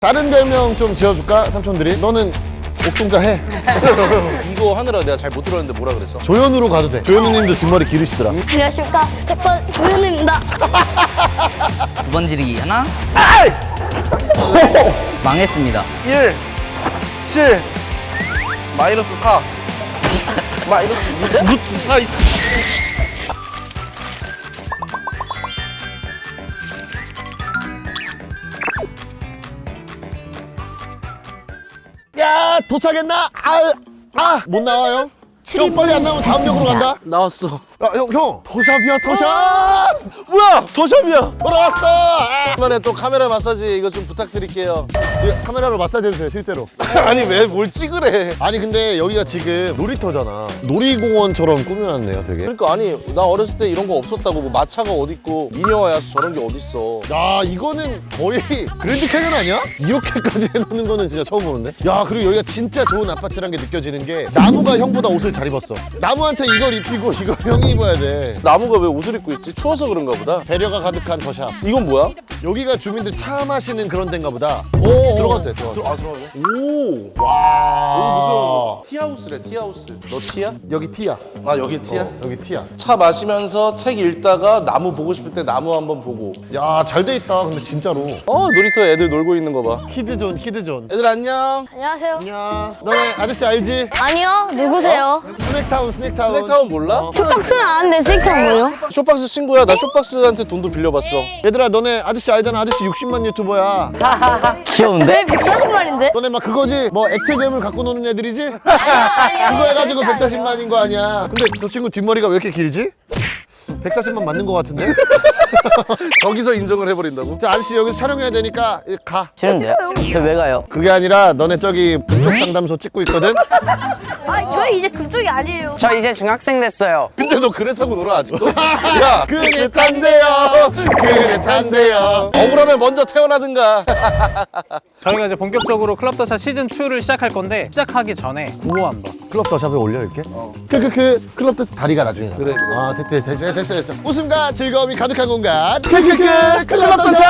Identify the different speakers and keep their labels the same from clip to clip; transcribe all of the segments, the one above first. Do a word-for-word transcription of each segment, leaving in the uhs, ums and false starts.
Speaker 1: 다른 별명 좀 지어줄까? 삼촌들이? 너는 옥동자 해.
Speaker 2: 이거 하느라 내가 잘 못 들었는데 뭐라 그랬어?
Speaker 1: 조현우로 가도 돼. 조현우님도 뒷머리 기르시더라.
Speaker 3: 안녕하십니까. 태권 조현우입니다.
Speaker 4: 두 번 지르기 하나. 망했습니다.
Speaker 2: 일, 칠, 마이너스 사. 마이너스 루트 사.
Speaker 1: 야, 도착했나? 아, 아, 못 나와요? 형 빨리 안 나오면 다음 역으로 간다.
Speaker 2: 나왔어.
Speaker 1: 야, 형, 형, 더샵이야, 더샵.
Speaker 2: 뭐야? 더샵이야.
Speaker 1: 돌아왔어. 아.
Speaker 2: 이번에 또 카메라 마사지 이거 좀 부탁드릴게요.
Speaker 1: 이거 카메라로 마사지 해주세요, 실제로.
Speaker 2: 아니 왜 뭘 찍으래?
Speaker 1: 아니 근데 여기가 지금 놀이터잖아. 놀이공원처럼 꾸며놨네요, 되게.
Speaker 2: 그러니까 아니 나 어렸을 때 이런 거 없었다고. 뭐 마차가 어딨고 미녀와 야수 저런 게 어딨어.
Speaker 1: 야, 이거는 거의 그랜드 캐년 아니야? 이렇게까지 해놓는 거는 진짜 처음 보는데? 야, 그리고 여기가 진짜 좋은 아파트란 게 느껴지는 게 나무가 형보다 옷을 잘 입었어. 나무한테 이걸 입히고 이걸 형이 입어야 돼.
Speaker 2: 나무가 왜 옷을 입고 있지? 추워서 그런가 보다.
Speaker 1: 배려가 가득한 더샵.
Speaker 2: 이건 뭐야?
Speaker 1: 여기가 주민들 차 마시는 그런 데인가 보다.
Speaker 2: 오,
Speaker 1: 들어가도 돼, 들어가도 돼.
Speaker 2: 아 들어가네.
Speaker 1: 오!
Speaker 2: 여기
Speaker 1: 와.
Speaker 2: 무슨 티하우스래 티하우스. 너 티야?
Speaker 1: 여기 티야.
Speaker 2: 아 여기 티야?
Speaker 1: 어, 여기 티야.
Speaker 2: 차 마시면서 책 읽다가 나무 보고 싶을 때 나무 한번 보고.
Speaker 1: 야, 잘 돼 있다. 근데 진짜로.
Speaker 2: 어 놀이터에 애들 놀고 있는 거 봐.
Speaker 1: 키드존, 키드존.
Speaker 2: 애들 안녕.
Speaker 3: 안녕하세요.
Speaker 1: 안녕. 너네 아저씨 알지?
Speaker 3: 아니요. 누구세요?
Speaker 1: 스낵타운, 스낵타운.
Speaker 2: 스낵타운 몰라?
Speaker 1: 어.
Speaker 3: 쇼박스는 아는데 스익창 뭐예요?
Speaker 2: 쇼박스 친구야. 나 쇼박스한테 돈도 빌려봤어.
Speaker 1: 얘들아, 너네 아저씨 알잖아. 아저씨 육십만 유튜버야.
Speaker 4: 귀여운데?
Speaker 3: 백사십만인데?
Speaker 1: 너네 막 그거지? 뭐 액체 괴물 갖고 노는 애들이지? 그거 해가지고 백사십만인 거 아니야. 근데 저 친구 뒷머리가 왜 이렇게 길지? 백사십만 맞는 거 같은데?
Speaker 2: 거기서 인정을 해버린다고?
Speaker 1: 자, 아저씨 여기서 촬영해야 되니까 가.
Speaker 4: 싫은데요? 저 왜 가요?
Speaker 1: 그게 아니라 너네 저기 부족 상담소 찍고 있거든?
Speaker 3: 아, 저희 이제 그쪽이 아니에요.
Speaker 5: 저 이제 중학생 됐어요.
Speaker 2: 근데 너 그래 타고 놀아 아직도? 야
Speaker 1: 그래 탄대요. 그래 탄대요.
Speaker 2: 억울하면 먼저 태어나든가.
Speaker 6: 저희가 이제 본격적으로 클럽 더샷 시즌 이를 시작할 건데 시작하기 전에 구호 한번.
Speaker 1: 클럽 더샵에 올려 이렇게? 크크크 클럽 더 다리가 나중에 나.
Speaker 2: 그래, 그래.
Speaker 1: 아 됐대 됐어 됐어 됐어. 웃음과 즐거움이 가득한 공간 크크크 클럽 더샵.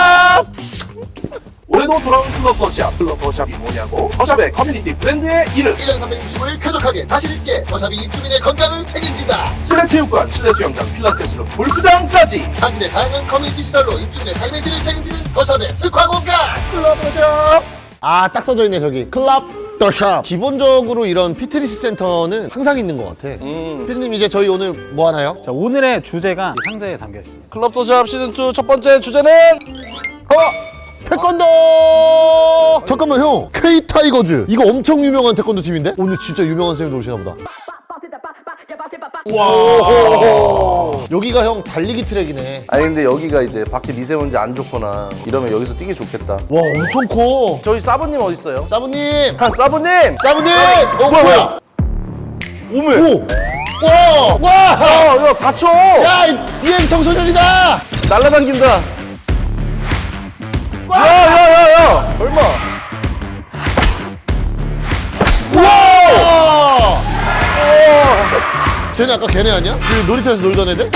Speaker 7: 올해도 돌아온 클럽 더샵. 클럽 더샵이 뭐냐고? 더샵의 커뮤니티 브랜드의 이름.
Speaker 1: 일 년 삼백육십오 일 쾌적하게 자신있게 더샵이 입주민의 건강을 책임진다.
Speaker 7: 실내 체육관, 실내 수영장, 필라테스로 골프장까지.
Speaker 1: 당신의 다양한 커뮤니티 시설로 입주민의 삶의 질을 책임지는 더샵의 특화 공간 클럽 더샵. 아, 딱 써져 있네 저기 클럽 더샵. 기본적으로 이런 피트니스 센터는 항상 있는 것 같아.
Speaker 2: 음.
Speaker 1: 피디님 이제 저희 오늘 뭐 하나요?
Speaker 6: 자, 오늘의 주제가 이 상자에 담겨 있습니다.
Speaker 2: 클럽 더샵 시즌 이 첫 번째 주제는
Speaker 1: 어! 태권도! 잠깐만 형, K 타이거즈 이거 엄청 유명한 태권도 팀인데? 오늘 진짜 유명한 쌤이 오시나 보다. 와. 여기가 형 달리기 트랙이네.
Speaker 2: 아니 근데 여기가 이제 밖에 미세먼지 안 좋거나 이러면 여기서 뛰기 좋겠다.
Speaker 1: 와, 엄청 커.
Speaker 2: 저희 사부님 어디 있어요?
Speaker 1: 사부님,
Speaker 2: 한 사부님!
Speaker 1: 사부님. 어, 뭐야?
Speaker 2: 오메!
Speaker 1: 오. 와, 와.
Speaker 2: 야, 야 다쳐!
Speaker 1: 야, 이 유행 청소년이다.
Speaker 2: 날라당긴다. 야야야야! 얼마?
Speaker 1: 와. 쟤네 아까 걔네 아니야? 그 놀이터에서 놀던 애들?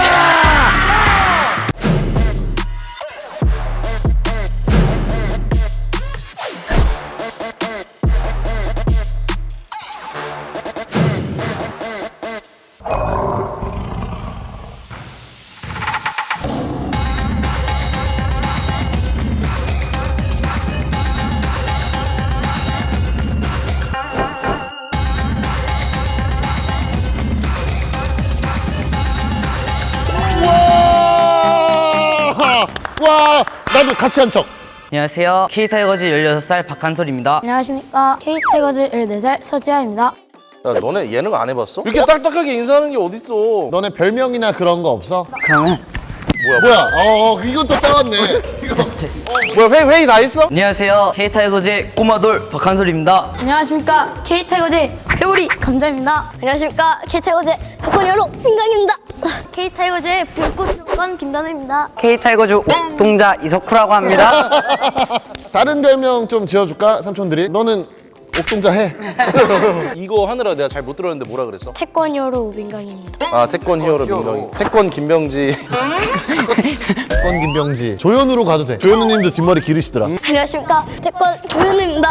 Speaker 1: 와. 와, 나도 같이 한 척.
Speaker 4: 안녕하세요. K타이거즈 열여섯 살 박한솔입니다.
Speaker 3: 안녕하십니까. K타이거즈 열네 살 서지아입니다.
Speaker 2: 야 너네 예능 안 해봤어? 이렇게 딱딱하게 인사하는 게 어딨어?
Speaker 1: 너네 별명이나 그런 거 없어?
Speaker 4: 그러면
Speaker 1: 뭐야? 어, 어 이건 또 짜왔네. 이거.
Speaker 2: 뭐야 회의, 회의 다 했어?
Speaker 4: 안녕하세요. K타이거즈의 꼬마돌 박한솔입니다.
Speaker 3: 안녕하십니까. K타이거즈 회오리 감자입니다. 안녕하십니까. K타이거즈 태권여로 민강입니다. K타이거즈의 불꽃 김단우입니다.
Speaker 5: K타이거즈 옥동자 이석후라고 합니다.
Speaker 1: 다른 별명 좀 지어줄까? 삼촌들이? 너는 옥동자 해.
Speaker 2: 이거 하느라 내가 잘 못 들었는데 뭐라 그랬어?
Speaker 3: 태권 히어로 민강입니다.
Speaker 2: 아 태권 히어로
Speaker 1: 히어로.
Speaker 2: 민경이. 태권 김병지.
Speaker 1: 태권 김병지. 조현우로 가도 돼. 조현우님도 뒷머리 기르시더라.
Speaker 3: 안녕하십니까. 태권 조현우입니다.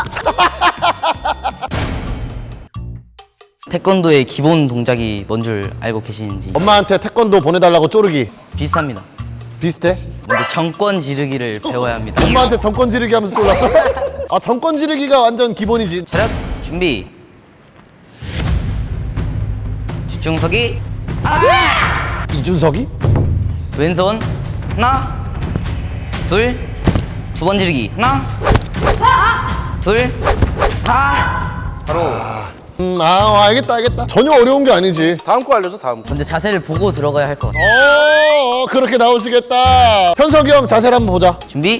Speaker 4: 태권도의 기본 동작이 뭔 줄 알고 계시는지
Speaker 1: 엄마한테 태권도 보내달라고 쪼르기.
Speaker 4: 비슷합니다.
Speaker 1: 비슷해?
Speaker 4: 먼저 정권 지르기를 배워야 합니다.
Speaker 1: 엄마한테 정권 지르기 하면서 쫄랐어? 아 정권 지르기가 완전 기본이지.
Speaker 4: 차렷 준비. 뒤중서기
Speaker 1: 이준석이?
Speaker 4: 왼손 하나 둘 두 번 지르기 하나 둘 하 바로
Speaker 1: 음, 아 알겠다 알겠다. 전혀 어려운 게 아니지.
Speaker 2: 다음 거 알려줘 다음 거.
Speaker 4: 먼저 자세를 보고 들어가야 할 것 같아요.
Speaker 1: 어, 어 그렇게 나오시겠다. 현석이 형 자세를 한번 보자.
Speaker 4: 준비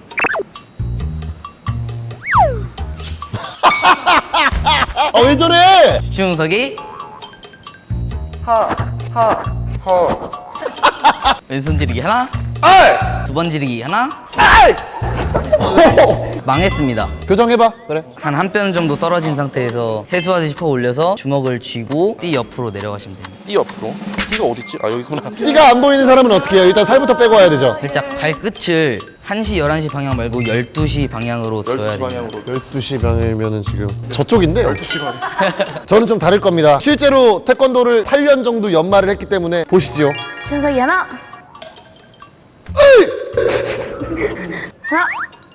Speaker 1: 아 왜 저래?
Speaker 4: 뒤중서기
Speaker 2: 하하
Speaker 4: 왼손 지르기 하나
Speaker 2: 아이
Speaker 4: 두 번 지르기 하나
Speaker 2: 아이.
Speaker 4: 망했습니다.
Speaker 1: 교정해봐. 그래.
Speaker 4: 한 한 뼘 정도 떨어진 상태에서 세수하듯이 퍼 올려서 주먹을 쥐고 띠 옆으로 내려가시면 됩니다.
Speaker 2: 띠 옆으로. 띠가 어딨지? 아 여기구나.
Speaker 1: 띠가 안 보이는 사람은 어떻게 해요? 일단 살부터 빼고 와야 되죠.
Speaker 4: 살짝 발끝을 한 시, 열한 시 방향 말고 열두 시 방향으로
Speaker 2: 열두
Speaker 4: 둬야
Speaker 2: 시
Speaker 4: 됩니다.
Speaker 2: 방향으로.
Speaker 1: 열두 시 방이면은 지금 저쪽인데?
Speaker 2: 열두 시 반.
Speaker 1: 저는 좀 다를 겁니다. 실제로 태권도를 팔 년 정도 연말을 했기 때문에 보시죠.
Speaker 3: 준석이 하나. 하나.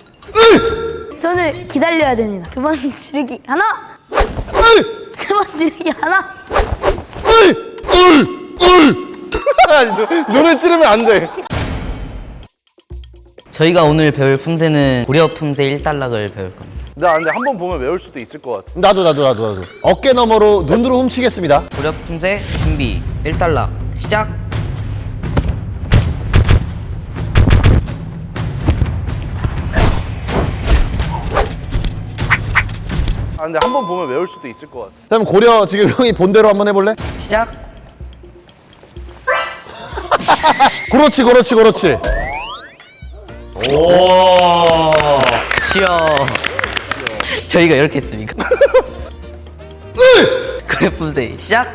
Speaker 3: 손을 기다려야 됩니다. 두 번 지르기 하나. 세 번 지르기 하나.
Speaker 2: 아니, 눈- 눈을 찌르면 안 돼.
Speaker 4: 저희가 오늘 배울 품새는 고려 품새 일단락을 배울 겁니다.
Speaker 2: 나 근데 한 번 보면 외울 수도 있을 것 같아.
Speaker 1: 나도 나도 나도 나도. 어깨 너머로 눈으로 훔치겠습니다.
Speaker 4: 고려 품새 준비 일단락 시작.
Speaker 2: 아 근데 한 번 보면 외울 수도 있을 것 같아.
Speaker 1: 그럼 고려 지금 형이 본대로 한번 해볼래?
Speaker 4: 시작.
Speaker 1: 그렇지 그렇지 그렇지.
Speaker 4: 오 쉬어. 저희가 이렇게 했습니까? 고려 품새 시작.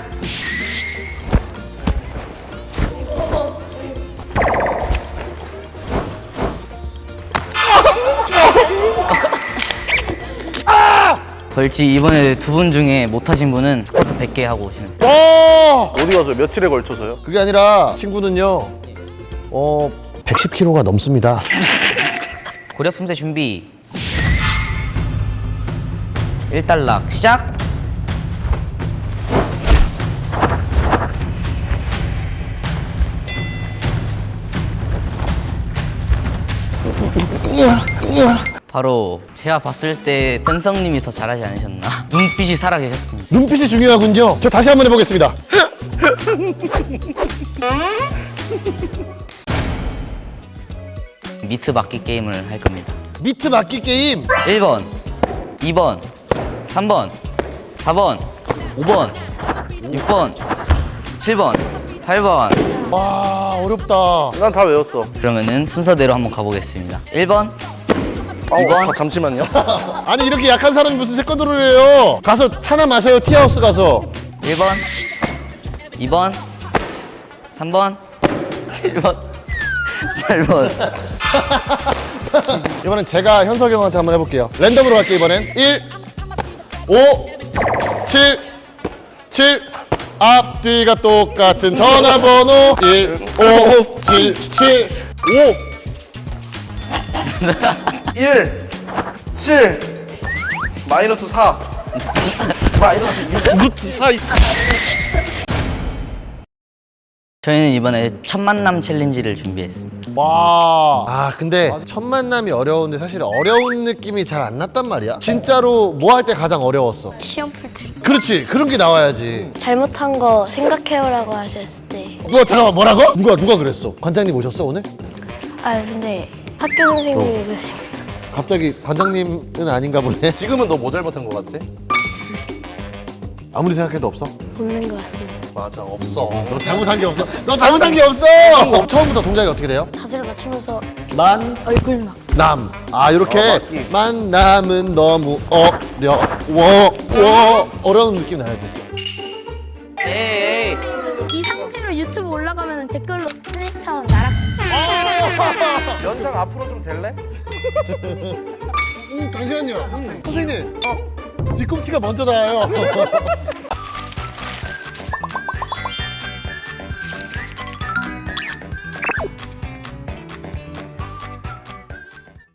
Speaker 4: 벌칙 이번에 두 분 중에 못하신 분은 스쿼트 백 개 하고 오시면 돼요.
Speaker 1: 와
Speaker 2: 어디 가서 며칠에 걸쳐서요?
Speaker 1: 그게 아니라 친구는요. 어 백십 킬로그램가 넘습니다.
Speaker 4: 고려 품새 준비 일단락 시작. 바로 제가 봤을 때 현성님이 더 잘하지 않으셨나. 눈빛이 살아계셨습니다.
Speaker 1: 눈빛이 중요하군요. 저 다시 한번 해보겠습니다.
Speaker 4: 미트 맞기 게임을 할 겁니다.
Speaker 1: 미트 맞기 게임.
Speaker 4: 일 번 이 번 삼 번 사 번 오 번 육 번 칠 번 팔 번.
Speaker 1: 와 어렵다.
Speaker 2: 난 다 외웠어.
Speaker 4: 그러면은 순서대로 한번 가보겠습니다. 일 번
Speaker 2: 아,
Speaker 4: 이 번.
Speaker 2: 아, 잠시만요.
Speaker 1: 아니 이렇게 약한 사람이 무슨 태권도를 해요? 가서 차나 마셔요. 티하우스 가서.
Speaker 4: 일 번 이 번 삼 번 칠 번 팔 번.
Speaker 1: 이번엔 제가 현석이 형한테 한번 해볼게요. 랜덤으로 갈게요. 이번엔 일 오 칠 칠 앞뒤가 똑같은 전화번호 일 오 칠 칠
Speaker 2: 일, 칠, 마이너스 사, 마이너스 육, 루트 사.
Speaker 4: 저희는 이번에 첫 만남 챌린지를 준비했습니다.
Speaker 1: 와. 아 근데 첫 만남이 어려운데 사실 어려운 느낌이 잘 안 났단 말이야. 진짜로 뭐 할 때 가장 어려웠어?
Speaker 3: 시험 풀 때.
Speaker 1: 그렇지 그런 게 나와야지.
Speaker 3: 잘못한 거 생각해요라고 하셨을 때.
Speaker 1: 뭐 잠깐만 뭐라고? 누가 누가 그랬어? 관장님 오셨어 오늘?
Speaker 3: 아 근데 학교 선생님이 그러십니다.
Speaker 1: 갑자기 관장님은 아닌가 보네.
Speaker 2: 지금은 너 뭐 잘못한 것 같아?
Speaker 1: 아무리 생각해도 없어.
Speaker 3: 없는 것 같습니다.
Speaker 2: 맞아 없어.
Speaker 1: 너 잘못한 게 없어. 너 잘못한 게 없어. 처음부터 동작이 어떻게 돼요?
Speaker 3: 자세를 맞추면서
Speaker 1: 만,
Speaker 3: 얼굴 막.
Speaker 1: 남. 아, 이렇게
Speaker 2: 어, 맞기.
Speaker 1: 만남은 너무 어려워. 워. 어려운 느낌 나야지.
Speaker 4: 에이,
Speaker 3: 이 상태로 유튜브 올라가면 댓글로 스네이크타운 나락.
Speaker 2: 연상 앞으로 좀 될래?
Speaker 1: 음, 잠시만요. 선생님. 뒤꿈치가 먼저 닿아요.